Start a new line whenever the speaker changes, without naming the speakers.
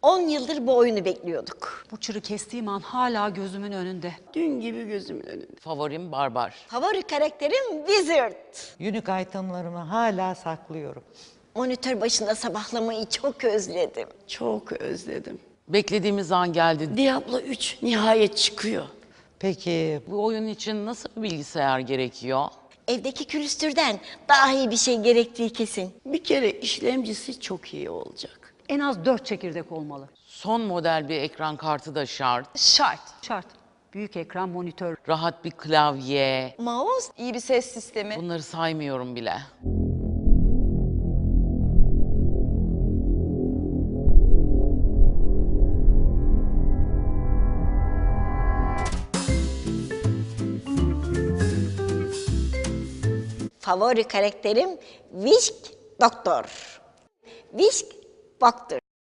10 yıldır bu oyunu bekliyorduk.
Bu çırı kestiğim an hala gözümün önünde.
Dün gibi gözümün önünde.
Favorim Barbar.
Favori karakterim Wizard.
Unique itemlarımı hala saklıyorum.
Monitör başında sabahlamayı çok özledim.
Çok özledim.
Beklediğimiz an geldi.
Diablo 3 nihayet çıkıyor.
Peki
Bu oyun için nasıl bir bilgisayar gerekiyor?
Evdeki külüstürden daha iyi bir şey gerektiği kesin.
Bir kere işlemcisi çok iyi olacak.
En az 4 çekirdek olmalı.
Son model bir ekran kartı da şart.
Şart. Şart. Büyük ekran, monitör.
Rahat bir klavye.
Mouse,
İyi bir ses sistemi.
Bunları saymıyorum bile.
favori karakterim Wisk Doktor. Wisk Doktor.